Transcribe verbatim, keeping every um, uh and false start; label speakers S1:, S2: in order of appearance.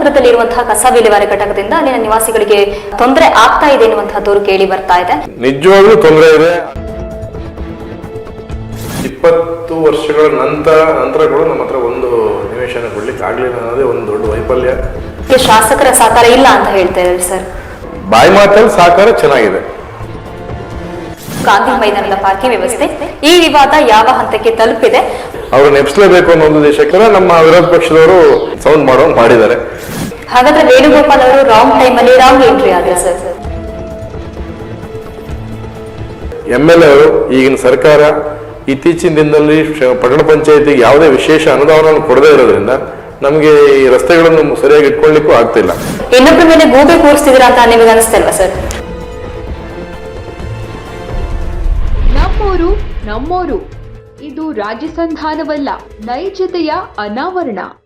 S1: ನಗರದಲ್ಲಿರುವಂತಹ ಕಸ ವಿಲೇವಾರಿ ಘಟಕದಿಂದ ಅಲ್ಲಿನ ನಿವಾಸಿಗಳಿಗೆ ತೊಂದರೆ ಆಗ್ತಾ ಇದೆ ಎನ್ನುವಂತಹ ದೂರು ಕೇಳಿ ಬರ್ತಾ ಇದೆ.
S2: ನಿಜವಾಗ್ಲೂ ತೊಂದರೆ ಇದೆ. ಇಪ್ಪತ್ತು ವರ್ಷಗಳ ನಂತರ ನಂತರ ಕೂಡ ನಮ್ಮ ಹತ್ರ ಒಂದು ನಿವೇಶನ ಕೊಡ್ಲಿಕ್ಕೆ ಆಗ್ಲಿಲ್ಲ ಅನ್ನೋದೇ ಒಂದು ದೊಡ್ಡ ವೈಫಲ್ಯ.
S1: ಶಾಸಕರ ಸಹಕಾರ ಇಲ್ಲ ಅಂತ ಹೇಳ್ತಾ ಇದ್ದಾರೆ ಸರ್.
S2: ಬಾಯಿ ಮಾತಲ್ಲಿ ಸಹಕಾರ ಚೆನ್ನಾಗಿದೆ.
S1: ಗಾಂಧಿ ಮೈದಾನದ ಪಾರ್ಕಿಂಗ್ ವ್ಯವಸ್ಥೆ, ಈ ವಿವಾದ ಯಾವ ಹಂತಕ್ಕೆ ತಲುಪಿದೆ?
S2: ಅವರು ನೆಪ್ಸ್ಲೇಬೇಕು ಅನ್ನೋ ಒಂದು ದೇಶಕ್ಕೆ ನಮ್ಮ ವಿರೋಧ ಪಕ್ಷದವರು ಸೌಂಡ್ ಮಾಡೋ ಮಾಡಿದ್ದಾರೆ.
S1: ಹಾಗಾದ್ರೆ ವೇಣುಗೋಪಾಲ್ ಅವರು ರಾಂಗ್ ಟೈಮ್ ಅಲ್ಲಿ ರಾಂಗ್ ಎಂಟ್ರಿ ಆದ್ರೆ ಸರ್.
S2: ಎಂ ಎಲ್ ಎ ಅವರು ಈಗಿನ ಸರ್ಕಾರ ಇತ್ತೀಚಿನ ದಿನದಲ್ಲಿ ಪಟ್ಟಣ ಪಂಚಾಯತಿಗೆ ಯಾವುದೇ ವಿಶೇಷ ಅನುದಾನವನ್ನು ಕೊಡದೇ ಇರೋದ್ರಿಂದ ನಮಗೆ ಈ ರಸ್ತೆಗಳನ್ನು ಸರಿಯಾಗಿ ಇಟ್ಕೊಳ್ಳಿಕ್ಕೂ ಆಗ್ತಿಲ್ಲ.
S1: ಇನ್ನೊಬ್ಬರ ಮೇಲೆ ಗೂಬೆ ಕೂರಿಸ್ತಿದ್ದೀರಾ ಅಂತ ನಿಮಗೆ ಅನಿಸ್ತಲ್ವಾ ಸರ್?
S3: ನಮ್ಮೋರು ನಮ್ಮೋರು ಇದು ರಾಜಸಂಧಾನವಲ್ಲ, ನೈಜತೆಯ ಅನಾವರಣ.